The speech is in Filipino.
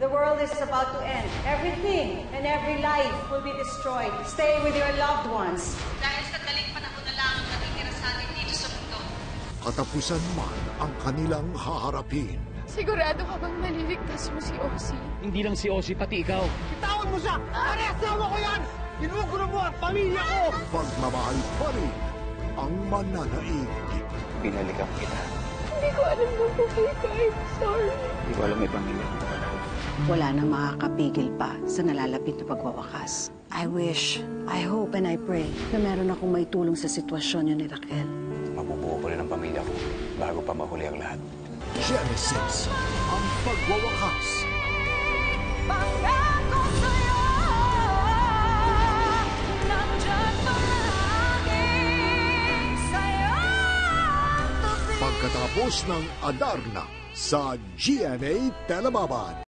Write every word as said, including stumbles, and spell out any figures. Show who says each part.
Speaker 1: The world is about to end. Everything and every life will be destroyed. Stay with your loved ones.
Speaker 2: Dahil sa daling panahon na lang ang natitira sa atin dito sa mundo.
Speaker 3: Katapusan man ang kanilang haharapin.
Speaker 4: Sigurado ka bang maliligtas mo si Ozzy?
Speaker 5: Hindi lang si Ozzy, pati ikaw.
Speaker 6: Bitawan mo siya! Pare, asawa ko yan! Ginugulo mo ang pamilya ko!
Speaker 3: Pagmamahal pa rin ang mananaig.
Speaker 5: Binalikan kita.
Speaker 4: Hindi ko alam kung buhay ka. I'm sorry.
Speaker 5: Hindi ko alam may pamilya mo pala.
Speaker 7: Wala nang makakapigil pa sa nalalapit na pagwawakas. I wish, I hope and I pray na meron akong may tulong sa sitwasyon niyo ni Raquel.
Speaker 5: Mabubuo ko rin ang pamilya ko bago pa mahuli ang lahat.
Speaker 3: Genesis, ang pagwawakas.
Speaker 4: Pangako sa'yo, nandyan palaging sa'yo.
Speaker 3: Pagkatapos ng Adarna sa G M A Telebabad.